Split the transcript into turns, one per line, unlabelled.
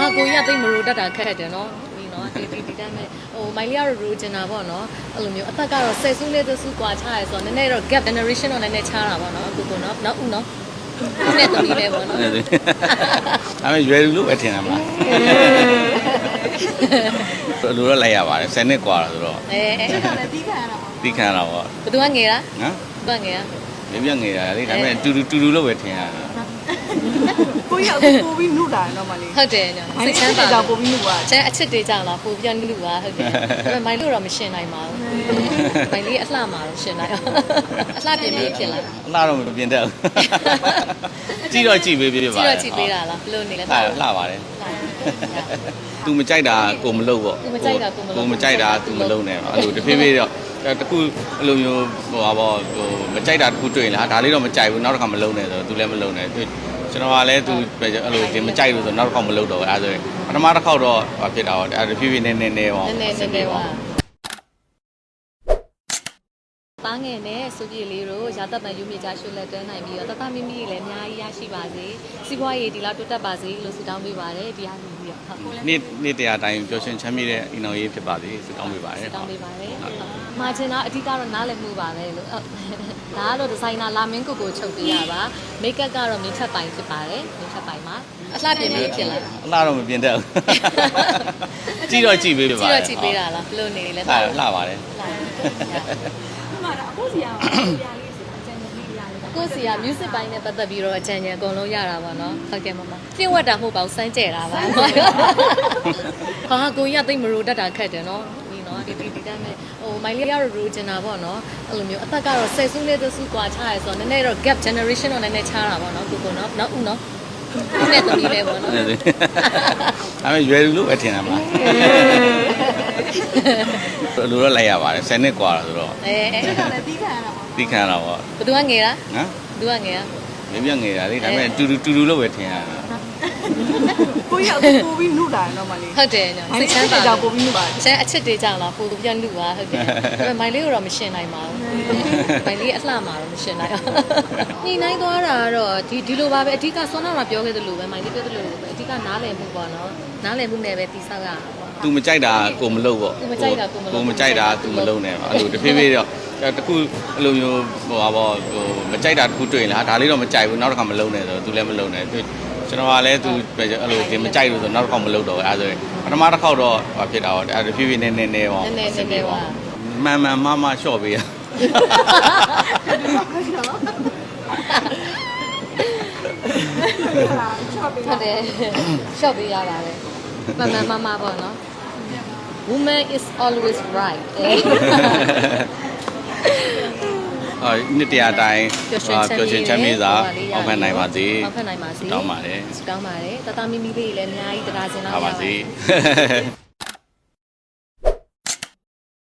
ဟာကိုကြီးကသိမရိုးတတ်တာခက်တယ်နော်ဒီနော်ဒီတမ်းမဲ့ဟိုမိုင်လီကတော့ရိုးချင်တာပေါ့နော်အဲ့လိုမျိုးအသက်ကတော့10စုလေးသစုကွာချရဲဆိုတော့နည်းနည်းတော့ gap generation တော့နည်းနည်းချားတာပေါ့နော်ကိုနော်နောက်ဦးနော်နဲ့သမီးလေးပေါ့နော်
ဒါပေမဲ့ရွယ်လူလို့ပဲထင်တာမလားလူတော့လိုက်ရပါတယ်10နှစ်กว่าဆိုတော့
အဲ့
ဒါလည်းပြီးခံရတာပေါ့
သိခံရတာပေါ့
ဘယ်သူကငယ်လား
နော်
ဘယ်ငယ်
လေပြငယ်တာလေဒါပေမဲ့တူတူလို့ပဲထင်ရတာ
ကိုရောက်ပို့ပြီးနှုတ်တာတော့မလေး
ဟုတ်တယ်ည
စိတ်ချမ်းသာကြောင်ပို့ပြီးနှုတ်ပါ
ကျန်အချစ်တွေကြောင်လားပို့ပြန်လူပါဟုတ်တယ်ဒါပေမဲ့မိုင်လို့တော့မရှင်နိုင်ပါဘူးမိုင်လေးအလှမှာတော့ရှင်နိုင်အောင်အလှပြင်ပြီးဖြစ်လာ
အလှတော့မပြင်တတ်ဘူးကြည့်တော့ကြည့်ပေးပြပါ
ကြည့်တော့ကြည့်ပေးတာလားဘလို့နေလဲ
လှပါတယ်သူမကြိုက်တာကိုမလုပ်ပေါ့
သူမကြိုက်တာ
ကိုမကြိုက်တာသူမလုပ်နဲ့အဲ့လိုတဖြည်းဖြည်းတော့တခုအဲ့လိုမျိုးဟိုပါပေါ့ဟိုမကြိုက်တာတခုတွေ့ရင်လားဒါလေးတော့မကြိုက်ဘူးနောက်တစ်ခါမလုပ်နဲ့ဆိုတော့သူလည်းမလုပ်နဲ့ကျွန်တော်ကလည်းသူအဲ့လိုဒီမကြိုက်လို့ဆိုနောက်တစ်ခါမလုပ်တော့ဘူးအဲ့ဒါဆိုရင်ပထမတစ်ခေါက်တော့ဖြစ်တာပေါ့အဲ့တဖြည်းဖြည်းနေပေါ့
ပါသားငယ်နဲ့စုပြေလေးတို့ရာသက်ပံယူမြေချရွှေလက်တွဲနိုင်ပြီးတော့တတမီမီလည်းအများကြီးရရှိပါစေစီးပွားရေးဒီလောက်တိုးတက်ပါစေလို့ဆုတောင်းပေးပါတယ်ဒီအားလုံးပြီးတော့ဟုတ်
နေ့တရားတိုင်းပျော်ရွှင်ချမ်းမြေ့တဲ့အင်တော်ရေးဖြစ်ပါစေဆုတောင်းပေးပါတယ်
ဆုတောင်းပေးပါတယ်မှာချင်တာအဓိကတော့နားလည်မှုပါပဲလို့ဒါကတော့ဒီဇိုင်နာလာမင်းကိုချုပ်ပေးရပါမိတ်ကပ်ကတော့မင်းချက်ပိုင်ဖြစ်ပါတယ်မင်းချက်ပိုင်မှာအလှပြင်ပြီးဖြစ်လာ
အလှတော့မပြင်တတ်ဘူးကြည့်တော့ကြည့်ပေးပါ
ကြည့်တော့ကြည့်ပေးတာလားဘလို့နေလဲ
လှပါတယ်
ကိုစီရအောင်ပြလေးဆိုအကျဉ်းကြီးရလေး
ကိုစီက music ပိုင်းနဲ့ပတ်သက်ပြီးတော့အကြံဉာဏ်အကုန်လုံးရတာပါเนาะဟုတ်ကဲ့မမပြည့်ဝတ်တာမဟုတ်ပါဘူးစမ်းကြဲတာပါဟာကိုကြီးကသိမရိုးတတ်တာခက်တယ်เนาะဒီเนาะဒီတမ်းမဲ့ဟိုမိုင်လီကတော့ရိုးချင်တာပေါ့เนาะအဲ့လိုမျိုးအသက်ကတော့10စုလေးသစုကွာချရဲဆိုတော့နည်းနည်းတော့ gap generation တော့နည်းနည်းချားတာပေါ့เนาะကိုနော်နောက်ဦးနော်နဲ့သမီးလေးပေါ့နော်
ဒါပေမဲ့ရွယ်လူလို့ပဲထင်တာမလားလူတော့လိုက်ရပါတယ်10နှစ်กว่าဆိုတော့
ဒါလည်းပြီးခံရတာပေါ့
သိခံရတာပေါ့
ဘယ်သူကငယ်လား
နော်
ဘယ်သူကငယ်
လေပြငယ်တာလေဒါပေမဲ့တူတူလို့ပဲထင်ရတာ
ကိုရောက်ပို့ပြီးနှုတ်တာတော့မလေး
ဟုတ်တယ်ညစိတ်ချမ်းသာ
ကြောင်ပို့ပြီးနှုတ်ပါ
ကျန်အချစ်တွေကြောင်လားပို့ပြန်လူပါဟုတ်တယ်ဒါပေမဲ့မိုင်လေးတော့မရှင်နိုင်ပါဘူးမိုင်လေးအလှမှာတော့မရှင်နိုင်အောင်ညှိနှိုင်းသွားတာကတော့ဒီလိုပါပဲအဓိကဆွမ်းနာမှာပြောခဲ့သလိုပဲမိုင်လေးပြောသလိုပဲအဓိကနားလည်မှုပေါ့နော်နားလည်မှုနဲ့ပဲတိဆောက်ရအောင်ပေါ့
သူမကြိုက်တာကိုမလုပ်ပေါ့
သူမကြိုက်တာ
ကိုမကြိုက်တာသူမလုပ်နဲ့အဲ့လိုတဖြည်းဖြည်းတော့တခုအဲ့လိုမျိုးဟိုပါပေါ့ဟိုမကြိုက်တာတခုတွေ့ရင်လားဒါလေးတော့မကြိုက်ဘူးနောက်တစ်ခါမလုပ်နဲ့ဆိုတော့သူလည်းမလုပ်နဲ့ကျွန်တော်ကလည်းသူအဲ့လိုဒီမကြိုက်လို့ဆိုနောက်တစ်ခါမလုပ်တော့ဘူးအဲ့ဒါဆိုရင်ပထမတစ်ခေါက်တော့ဖြစ်တာပေါ့အဲ့တဖြည်းဖြည်းနေပေါ့မှန်မရှော့ပေးရ
ဟုတ်တယ်ရှော့ပေးရပါတယ်မှန်ပေါ့နော် woman is always right
နှစ်တရားတိုင်းပျော်ရွှင်ချမ်းမြေ့စွာအောက်ဖက်နိုင်ပါစေ
အောက်ဖက်နိုင်ပါစေ
တောင်းပါတယ်
တတမီမီလေးလည်းအများကြီးတရားစင်တော့
ပါပါစေ